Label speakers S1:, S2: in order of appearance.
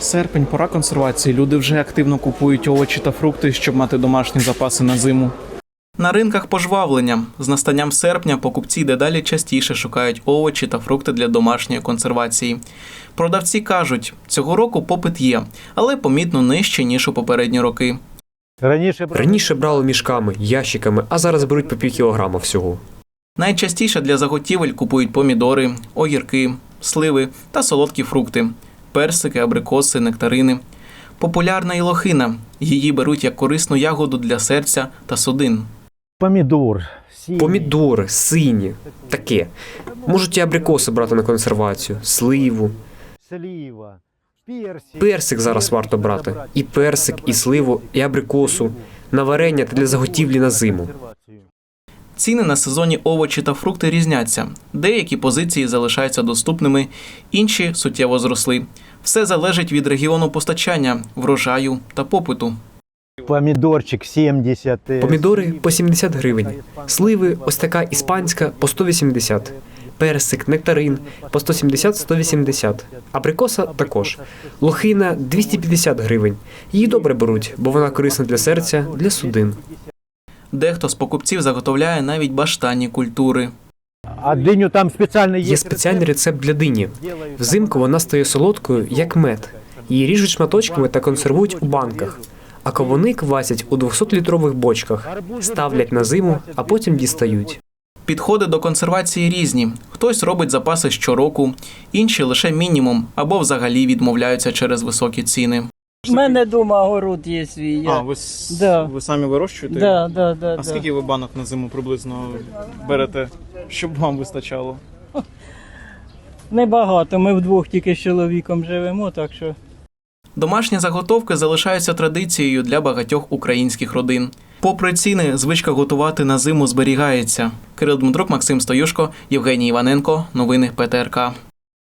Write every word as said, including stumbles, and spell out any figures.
S1: Серпень – пора консервації. Люди вже активно купують овочі та фрукти, щоб мати домашні запаси на зиму. На ринках пожвавлення. З настанням серпня покупці дедалі частіше шукають овочі та фрукти для домашньої консервації. Продавці кажуть, цього року попит є, але помітно нижче, ніж у попередні роки.
S2: Раніше, Раніше брали мішками, ящиками, а зараз беруть по пів кілограма всього.
S1: Найчастіше для заготівель купують помідори, огірки, сливи та солодкі фрукти – персики, абрикоси, нектарини. Популярна і лохина. Її беруть як корисну ягоду для серця та судин.
S3: Помідор. Сині.
S2: Помідори, сині, таке. Можуть і абрикоси брати на консервацію, сливу.
S3: Слива. Персик.
S2: Персик зараз варто брати. І персик, і сливу, і абрикосу. На варення та для заготівлі на зиму.
S1: Ціни на сезонні овочі та фрукти різняться. Деякі позиції залишаються доступними, інші суттєво зросли. Все залежить від регіону постачання, врожаю та попиту.
S3: Помідорчик сімдесят.
S2: Помідори по сімдесят гривень. Сливи ось така іспанська по сто вісімдесят. Персик, нектарин по сто сімдесят - сто вісімдесят. Абрикоса також. Лохина двісті п'ятдесят гривень. Її добре беруть, бо вона корисна для серця, для судин.
S1: Дехто з покупців заготовляє навіть баштанні культури.
S3: А диню там спеціально є.
S2: Є спеціальний рецепт для дині. Взимку вона стає солодкою, як мед. Її ріжуть шматочками та консервують у банках. А кавуни квасять у двохсотлітрових бочках, ставлять на зиму, а потім дістають.
S1: Підходи до консервації різні. Хтось робить запаси щороку, інші лише мінімум або взагалі відмовляються через високі ціни.
S4: У мене вдома город є свій. Я...
S1: А, ви,
S4: Да.
S1: ви самі вирощуєте?
S4: Да, да, да,
S1: А
S4: да.
S1: скільки ви банок на зиму приблизно берете, щоб вам вистачало?
S4: Небагато, ми вдвох тільки з чоловіком живемо, так що...
S1: Домашні заготовки залишаються традицією для багатьох українських родин. Попри ціни, звичка готувати на зиму зберігається. Кирил Дмитрук, Максим Стоюшко, Євгеній Іваненко. Новини Пе Те Ер Ка.